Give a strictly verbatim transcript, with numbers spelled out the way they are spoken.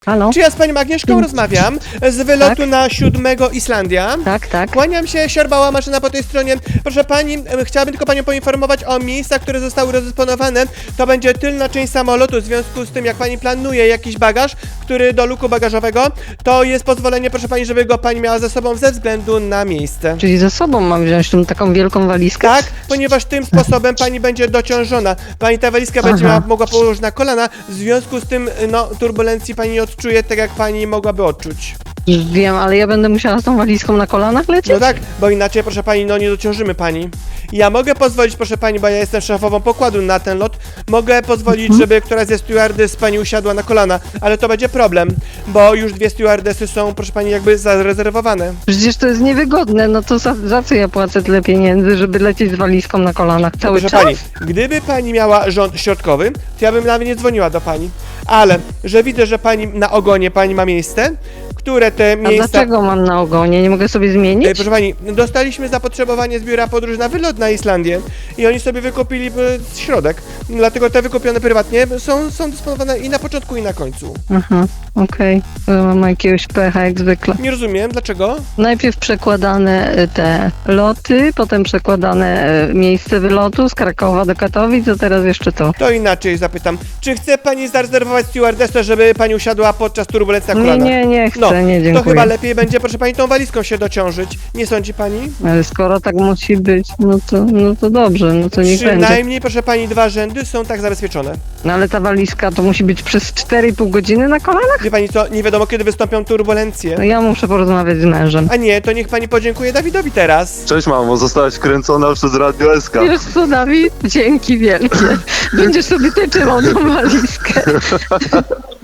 Halo? Czy ja z panią Agnieszką rozmawiam z wylotu Tak. na siódmego Islandia? Tak, tak. Kłaniam się, siorbała maszyna po tej stronie. Proszę pani, e, chciałabym tylko panią poinformować o miejscach, które zostały rozdysponowane. To będzie tylna część samolotu, w związku z tym, jak pani planuje jakiś bagaż, który do luku bagażowego, to jest pozwolenie, proszę pani, żeby go pani miała ze sobą ze względu na miejsce. Czyli ze sobą mam wziąć tą taką wielką walizkę? Tak, ponieważ tym sposobem pani będzie dociążona. Pani ta walizka będzie Aha. miała, mogła położyć na kolana, w związku z tym, no, turbulencji pani nie odczuje tak, jak pani mogłaby odczuć. Już wiem, ale ja będę musiała z tą walizką na kolanach lecieć? No tak, bo inaczej, proszę pani, no nie dociążymy pani. Ja mogę pozwolić, proszę pani, bo ja jestem szefową pokładu na ten lot, mogę pozwolić, Mhm. żeby któraś ze stewardess pani usiadła na kolana, ale to będzie problem, bo już dwie stewardessy są, proszę pani, jakby zarezerwowane. Przecież to jest niewygodne, no to za, za co ja płacę tyle pieniędzy, żeby lecieć z walizką na kolanach cały Proszę czas? pani, gdyby pani miała rząd środkowy, to ja bym nawet nie dzwoniła do pani, ale że widzę, że pani na ogonie pani ma miejsce, które te A miejsca... dlaczego mam na ogonie? Nie mogę sobie zmienić? Ej, proszę pani, dostaliśmy zapotrzebowanie z biura podróży na wylot na Islandię i oni sobie wykupili e, środek. Dlatego te wykupione prywatnie są, są dysponowane i na początku, i na końcu. Aha, okej. To Mam jakiegoś pecha jak zwykle. Nie rozumiem, dlaczego? Najpierw przekładane y, te loty, potem przekładane y, miejsce wylotu z Krakowa do Katowic, a teraz jeszcze to. To inaczej zapytam. Czy chce pani zarezerwować stewardessę, żeby pani usiadła podczas turbulencji na Nie, kolanach? nie, nie chcę, No, nie to dziękuję. chyba lepiej będzie, proszę pani, tą walizką się dociążyć. Nie sądzi pani? Ale skoro tak musi być, no to, no to dobrze, no to niech będzie. Przynajmniej, proszę pani, dwa rzędy są tak zabezpieczone. No ale ta walizka to musi być przez cztery i pół godziny na kolanach? Wie pani co, nie wiadomo kiedy wystąpią turbulencje. No ja muszę porozmawiać z mężem. A nie, to niech pani podziękuje Dawidowi teraz. Cześć mamo, zostałaś kręcona przez Radio S K. Wiesz co, Dawid? Dzięki wielkie. Będziesz sobie ty trzymał tą walizkę.